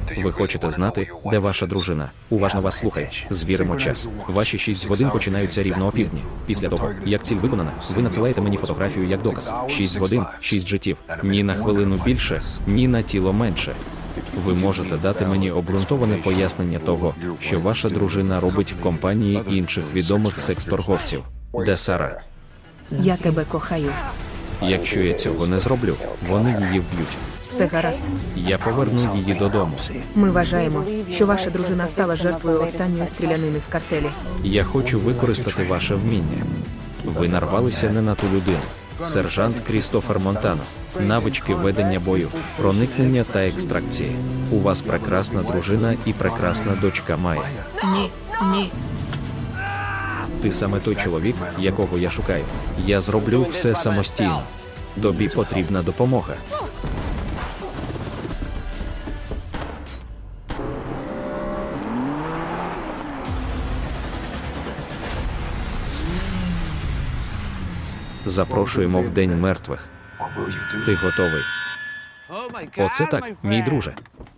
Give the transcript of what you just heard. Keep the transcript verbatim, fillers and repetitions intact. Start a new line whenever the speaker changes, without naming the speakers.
Ви хочете знати, де ваша дружина? Уважно вас слухає. Звіримо час. Ваші шість годин починаються рівно о півдні. Після того, як ціль виконана, ви надсилаєте мені фотографію як доказ. Шість годин, шість життів. Ні на хвилину більше, ні на тіло менше. Ви можете дати мені обґрунтоване пояснення того, що ваша дружина робить в компанії інших відомих секс-торговців. Де Сара?
Я тебе кохаю.
Якщо я цього не зроблю, вони її вб'ють.
Все гаразд.
Я поверну її додому.
Ми вважаємо, що ваша дружина стала жертвою останньої стрілянини в картелі.
Я хочу використати ваше вміння. Ви нарвалися не на ту людину. Сержант Крістофер Монтано. Навички ведення бою, проникнення та екстракції. У вас прекрасна дружина і прекрасна дочка Майя.
Ні, ні.
Ти саме той чоловік, якого я шукаю. Я зроблю все самостійно. Тобі потрібна допомога. Запрошуємо в День мертвих. Ти готовий? Оце так, мій друже.